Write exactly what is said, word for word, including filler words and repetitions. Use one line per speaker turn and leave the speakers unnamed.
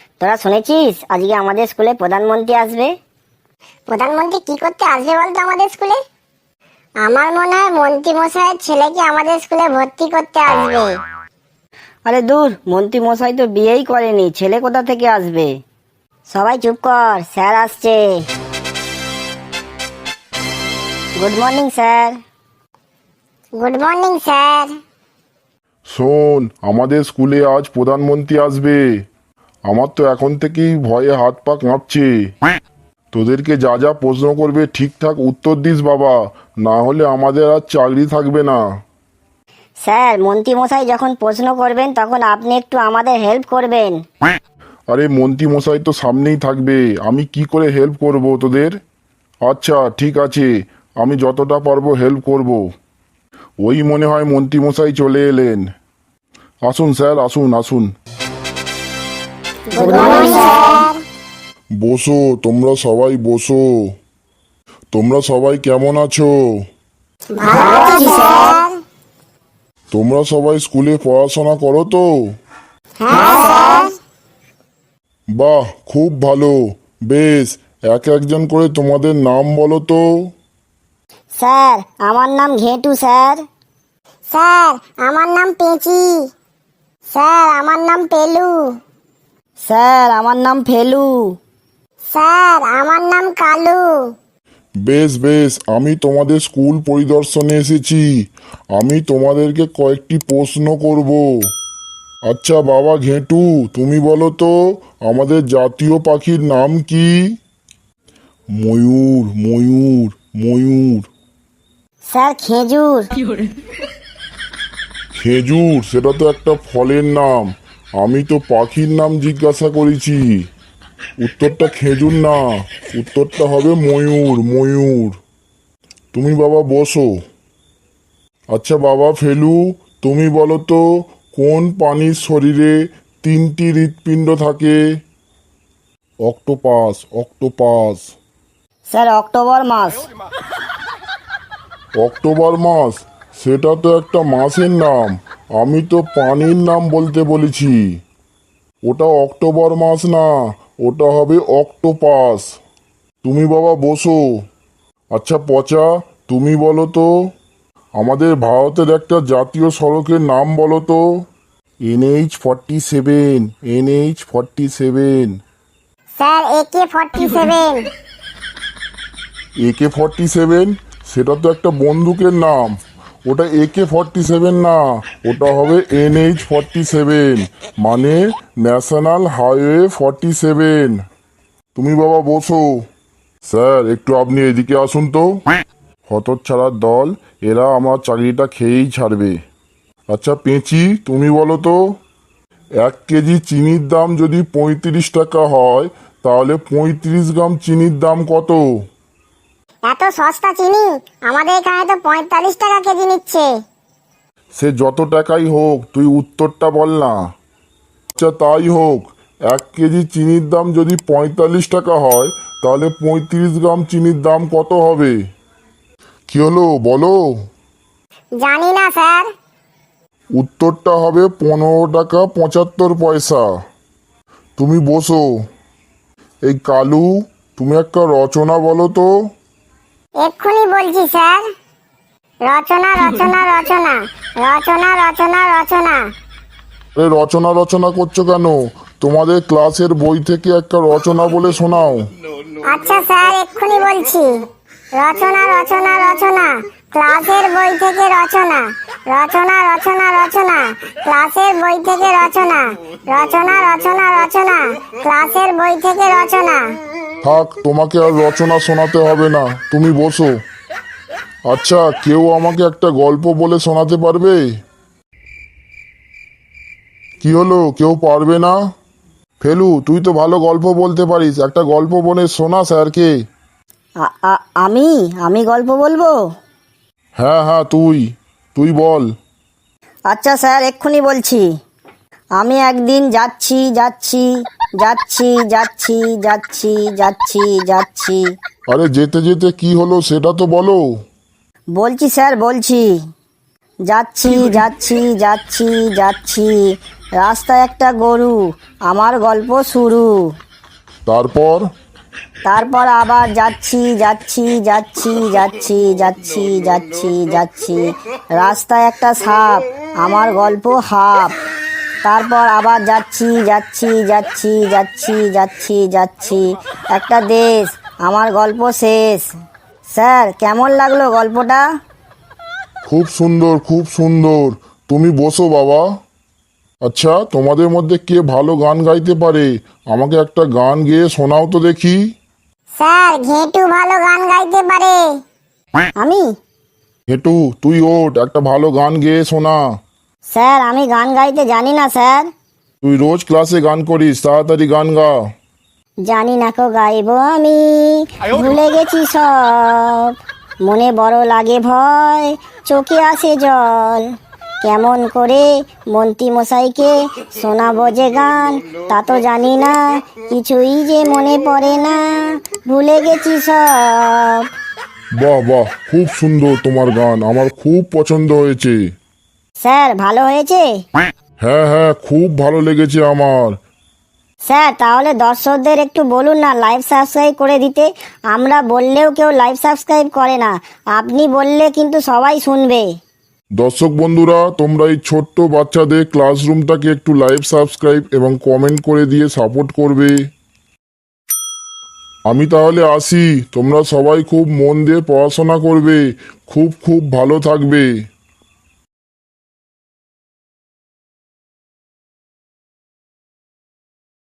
তোরা শুনেছিস আজকে আমাদের স্কুলে প্রধানমন্ত্রী আসবে?
প্রধানমন্ত্রী কি করতে আসবে বলতো আমাদের স্কুলে? আমার মনে হয় মন্ত্রী মশাইয়ের ছেলেকে আমাদের স্কুলে ভর্তি করতে আসবে।
আরে দূর, মন্ত্রী মশাই তো বিয়েই করেনি, ছেলে কোথা থেকে আসবে? সবাই চুপ কর, স্যার আসছে। Good morning sir.
Good morning sir.
শোন, আমাদের স্কুলে আজ প্রধানমন্ত্রী আসবে। আমার তো এখন থেকেই ভয়ে হাত পা কাঁপছে। তোদেরকে যা যা প্রশ্ন করবে ঠিকঠাক উত্তর দিস বাবা, না হলে আমাদের আর চাকরি থাকবে না।
স্যার, মন্ত্রী মশাই যখন প্রশ্ন করবেন তখন আপনি একটু আমাদের হেল্প করবেন।
আরে মন্ত্রী মশাই তো সামনেই থাকবে, আমি কি করে হেল্প করব তোদের? আচ্ছা ঠিক আছে, আমি যতটা পারবো হেল্প করব। ওই মনে হয় মন্ত্রী মশাই চলে এলেন। আসুন স্যার, আসুন আসুন।
Good morning sir.
বসো, তোমরা সবাই বসো। তোমরা সবাই কেমন আছো?
ভালো আছি স্যার।
তোমরা সবাই স্কুলে পড়াশোনা করো তো?
হ্যাঁ স্যার।
বাহ, খুব ভালো। বেশ, এক একজন করে তোমাদের নাম বলো তো।
স্যার, আমার নাম ঘেটু স্যার।
স্যার আমার নাম পেঁচি। স্যার আমার নাম পেলু।
স্যার, আমার নাম ফেলু।
স্যার আমার নাম কালু।
বেশ বেশ, আমি তোমাদের স্কুল পরিদর্শনে এসেছি। আমি তোমাদেরকে কয়েকটি প্রশ্ন করব। আচ্ছা বাবা ঘেটু, তুমি বলো তো আমাদের জাতীয় পাখির নাম কি? ময়ূর, ময়ূর, ময়ূর।
স্যার, খেজুর।
খেজুর? সেটা তো একটা ফলের নাম। আমি তো পাখির নাম জিজ্ঞাসা করেছি। উত্তরটা খেজুর না, উত্তরটা হবে ময়ূর, ময়ূর। তুমি বাবা বসো। আচ্ছা বাবা ফেলু, তুমি বলো তো কোন প্রাণীর শরীরে তিনটি হৃৎপিণ্ড থাকে? Octopus, octopus.
স্যার, অক্টোবর মাস।
অক্টোবর মাস? সেটা তো একটা মাসের নাম, আমি তো প্রাণীর নাম বলতে বলেছি। ওটা অক্টোবর মাস না, ওটা হবে অক্টোপাস। তুমি বাবা বসো। আচ্ছা পচা, তুমি বলো তো আমাদের ভারতের একটা জাতীয় সড়কের নাম বলো তো। NH forty seven, NH forty seven.
Sir AK forty seven.
AK forty seven? সেটা তো একটা বন্দুকের নাম, ওটা একে ফর্টি সেভেন না, ওটা হবে এনএইচ ফর্টি সেভেন, মানে ন্যাশনাল হাইওয়ে ফর্টি সেভেন। তুমি বাবা বসো। স্যার একটু আপনি এদিকে আসুন তো। হতচ্ছাড়ার দল, এরা আমার চাকরিটা খেয়েই ছাড়বে। আচ্ছা পেঁচি, তুমি বলো তো এক কেজি চিনির দাম যদি পঁয়ত্রিশ টাকা হয় তাহলে পঁয়ত্রিশ গ্রাম চিনির দাম কত?
এত সস্তা চিনি? আমাদের এখানে তো পঁয়তাল্লিশ টাকা কেজি নিচ্ছে।
সে যত টাকাই হোক, তুই উত্তরটা বল না। আচ্ছা তাই হোক, এক কেজি চিনির দাম যদি পঁয়তাল্লিশ টাকা হয় তাহলে পঁয়ত্রিশ গ্রাম চিনির দাম কত হবে? কি হলো বলো?
জানি না স্যার।
উত্তরটা হবে পনেরো টাকা পঁচাত্তর পয়সা। তুমি বসো। এই কালু, তুমি একটা রচনা বলো তো।
এক্ষুনি বলছি স্যার। রচনা রচনা রচনা রচনা রচনা রচনা।
আরে রচনা রচনা করছো কেন? তোমাদের ক্লাসের বই থেকে একটা রচনা বলে শোনাও।
আচ্ছা স্যার এক্ষুনি বলছি। রচনা রচনা রচনা ক্লাসের বই থেকে রচনা। রচনা রচনা রচনা ক্লাসের বই থেকে রচনা। রচনা রচনা রচনা ক্লাসের বই থেকে রচনা।
থাক, তোমাকে আর রচনা শোনাতে হবে না, তুমি বসো। আচ্ছা কেউ আমাকে একটা গল্প বলে শোনাতে পারবে? কি হলো, কেউ পারবে না? ফেলু, তুই তো ভালো গল্প বলতে পারিস, একটা গল্প বলে শোনা স্যারকে।
আ- আ- আমি আমি গল্প বলবো?
হ্যাঁ হ্যাঁ, তুই তুই বল।
আচ্ছা স্যার, এক্ষুনি বলছি। আমি একদিন যাচ্ছি যাচ্ছি যাচ্ছি যাচ্ছি যাচ্ছি যাচ্ছি যাচ্ছি।
আরে যেতে যেতে কি হলো সেটা তো বলো।
বলছি স্যার, বলছি। যাচ্ছি যাচ্ছি যাচ্ছি যাচ্ছি রাস্তায় একটা গরু, আমার গল্প শুরু।
তারপর?
তারপর আবার যাচ্ছি যাচ্ছি যাচ্ছি যাচ্ছি যাচ্ছি যাচ্ছি যাচ্ছি রাস্তায় একটা সাপ, আমার গল্প হাফ। তারপর আবার যাচ্ছি যাচ্ছি যাচ্ছি যাচ্ছি যাচ্ছি যাচ্ছি একটা দেশ, আমার গল্প শেষ। স্যার কেমন লাগলো গল্পটা?
খুব সুন্দর, খুব সুন্দর। তুমি বসো বাবা। আচ্ছা, তোমাদের মধ্যে কে ভালো গান গাইতে পারে? আমাকে একটা গান গেয়ে শোনাও তো দেখি।
স্যার ঘেটু ভালো গান গাইতে পারে।
আমি?
হেটু, তুই ওঠ, একটা ভালো গান গেয়ে শোনা।
স্যার আমি গান গাইতে জানি না স্যার।
তুই রোজ ক্লাসে গান করিস, তাড়াতাড়ি গান গা।
জানি না কো গাইবো আমি, ভুলে গেছি সব, মনে বড় লাগে ভয়, চোখে আসে জল। কেমন করে মন্ত্রী মশাইকে শোনাবো যে গান, তা তো জানি না, কিছুই যে মনে পড়ে না, ভুলে গেছি সব।
বাহ বাহ, খুব সুন্দর তোমার গান, আমার খুব পছন্দ হয়েছে।
স্যার ভালো হয়েছে?
হ্যাঁ হ্যাঁ, খুব ভালো লেগেছে আমার।
স্যার তাহলে দর্শকদের একটু বলুন না লাইভ সাবস্ক্রাইব করে দিতে। আমরা বললেও কেউ লাইভ সাবস্ক্রাইব করে না, আপনি বললে কিন্তু সবাই শুনবে।
দর্শক বন্ধুরা, তোমরা এই ছোট্ট বাচ্চাদের ক্লাসরুমটাকে একটু লাইভ সাবস্ক্রাইব এবং কমেন্ট করে দিয়ে সাপোর্ট করবে। আমি তাহলে আসি, তোমরা সবাই খুব মন দিয়ে পড়াশোনা করবে, খুব খুব ভালো থাকবে।